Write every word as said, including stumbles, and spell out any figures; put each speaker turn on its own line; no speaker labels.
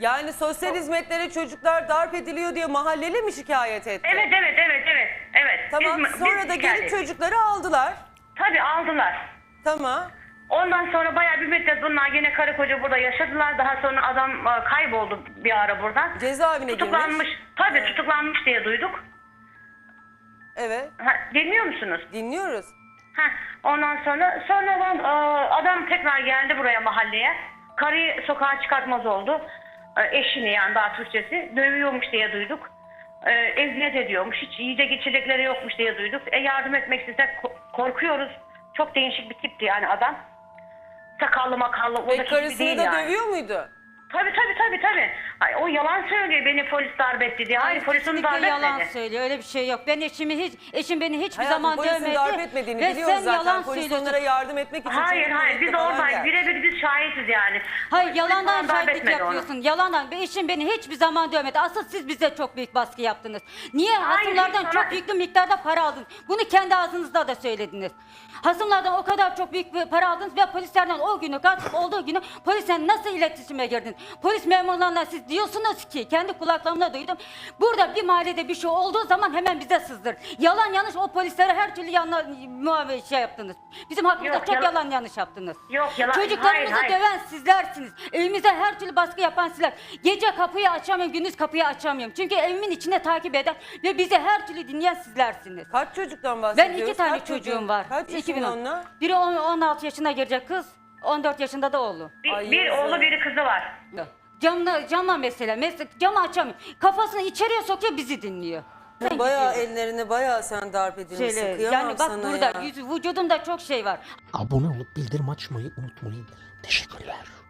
Yani sosyal hizmetlere çocuklar darp ediliyor diye mahalleli mi şikayet etti?
Evet evet evet evet. evet.
Tamam,
Biz-
sonra
biz
da
şikayet
gelip
ettik.
çocukları aldılar.
Tabii aldılar.
Tamam.
Ondan sonra bayağı bir müddet bunlar yine karı koca burada yaşadılar. Daha sonra adam e, kayboldu bir ara buradan.
Cezaevine
Tutuklanmış.
girmiş.
Tabii
Evet.
tutuklanmış diye duyduk.
Evet.
Ha, dinliyor musunuz?
Dinliyoruz.
Ha, ondan sonra sonradan e, adam tekrar geldi buraya mahalleye. Karıyı sokağa çıkartmaz oldu. E, eşini yani daha Türkçesi dövüyormuş diye duyduk. E, eziyet ediyormuş. Hiç yiyecek içecekleri yokmuş diye duyduk. E, yardım etmek istesek ko- korkuyoruz. Çok değişik bir tipti yani adam. Sakallı makallı. O da
Ve
hiçbir
karısını
değil
da
yani.
dövüyor muydu?
Tabii tabii tabii tabii. Ay, o yalan söylüyor, beni polis darp etti diye. Hayır, polis onu darp
Kesinlikle yalan
etmedi.
söylüyor. Öyle bir şey yok. Ben eşimi hiç, eşim beni hiçbir
Hayatım,
zaman
polisin
dövmedi.
darp etmediğini
Ve
biliyoruz
sen
zaten.
yalan
Polis
söylüyorsun.
onlara yardım etmek için
Hayır
çocuk
hayır, biz
tuvalette falan
oradayız.
geldi.
Birebir biz şahitiz yani.
Hayır,
Polis
yalandan
falan darp
şahitlik
etmedi onu.
yapıyorsun. Yalandan. Ve eşim beni hiçbir zaman dövmedi. Asıl siz bize çok büyük baskı yaptınız. Niye?
Hayır,
Hasımlardan
hiç
çok
sana-
yüklü miktarda para aldınız. Bunu kendi ağzınızda da söylediniz. Hasımlardan o kadar çok büyük bir para aldınız ve polislerden o günü, gasp olduğu günü polisle nasıl iletişime girdiniz? Polis memurlarına siz diyorsunuz ki, kendi kulaklarımla duydum. Burada bir mahallede bir şey olduğu zaman hemen bize sızdır. Yalan yanlış, o polislere her türlü yanlış muamele şey yaptınız. Bizim hakkımızda
Yok,
çok
yalan-
yalan yanlış yaptınız.
Yok, yalan-
Çocuklarımızı
hayır, hayır.
döven sizlersiniz. Evimize her türlü baskı yapan sizler. Gece kapıyı açamıyorum, gündüz kapıyı açamıyorum. Çünkü evimin içine takip eden ve bizi her türlü dinleyen sizlersiniz.
Kaç çocuktan
Ben
bahsediyoruz?
iki tane
Kaç
çocuğum
çocuğun-
var.
Kaç
iki bin
yaşında
on.
onlar?
Biri on- on altı yaşına girecek kız, on dört yaşında da oğlu.
Bir,
Ay,
bir
yazık.
oğlu biri kızı var.
Camla, cama mesela, mesela camı açamıyor. Kafasını içeriye sokuyor, bizi dinliyor. Sen
Bayağı
gidiyorsun.
ellerini bayağı sen darp edilmişsin.
Şöyle,
Kıyamam
yani bak
sana
burada
ya.
yüz, vücudumda çok şey var.
Abone olup bildirim açmayı unutmayın. Teşekkürler.